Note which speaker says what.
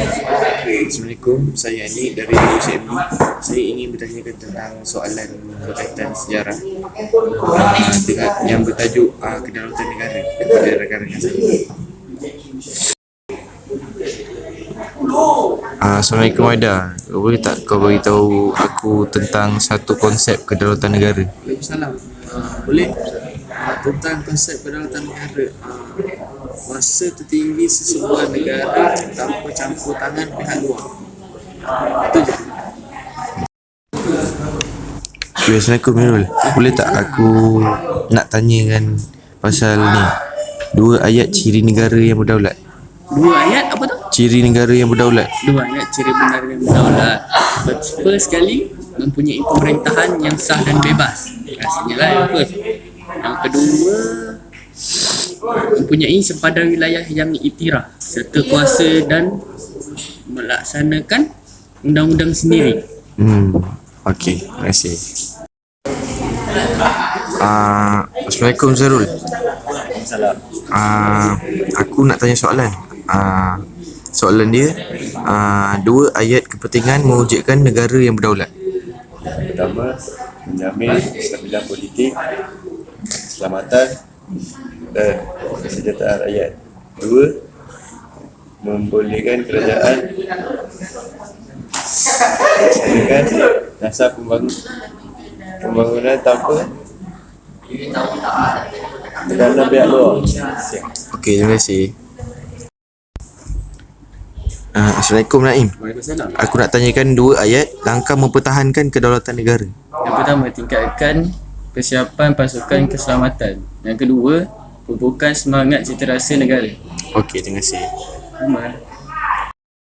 Speaker 1: Assalamualaikum, saya Ani dari UCMB. Saya ingin bertanyakan tentang soalan berkaitan sejarah yang bertajuk kedaulatan negara kepada rakan-rakan saya.
Speaker 2: Assalamualaikum Aida. Boleh tak kau beritahu aku tentang satu konsep kedaulatan negara?
Speaker 1: Waalaikumsalam. Boleh. Tentang konsep kedaulatan negara, kuasa tertinggi sesebuah negara tanpa campur tangan pihak luar. Itu je.
Speaker 2: Assalamualaikum Mirul. Boleh tak aku nak tanyakan pasal ni, dua ayat ciri negara yang berdaulat?
Speaker 1: Dua ayat apa tu?
Speaker 2: Ciri negara yang berdaulat.
Speaker 1: Dua ayat ciri negara yang berdaulat. First sekali, mempunyai pemerintahan yang sah dan bebas. Rasanya lah yang first. Yang kedua, mempunyai sempadan wilayah yang iktiraf serta kuasa dan melaksanakan undang-undang sendiri.
Speaker 2: Okey, terima kasih. Assalamualaikum Zarul.
Speaker 3: Salam.
Speaker 2: Aku nak tanya soalan. Soalan dia, dua ayat kepentingan mewujudkan negara yang berdaulat.
Speaker 3: Pertama, menjamin kestabilan politik, keselamatan dan kesejahteraan rakyat. Dua, membolehkan kerajaan melaksanakan dasar pembangunan tanpa tekanan pihak luar.
Speaker 2: Okey, terima kasih. Assalamualaikum Naim.
Speaker 1: Waalaikumsalam.
Speaker 2: Aku nak tanyakan dua ayat langkah mempertahankan kedaulatan negara.
Speaker 1: Yang pertama, tingkatkan persiapan pasukan keselamatan. Yang kedua, pupukan semangat cita rasa negara.
Speaker 2: Okey, terima kasih.
Speaker 1: Sama.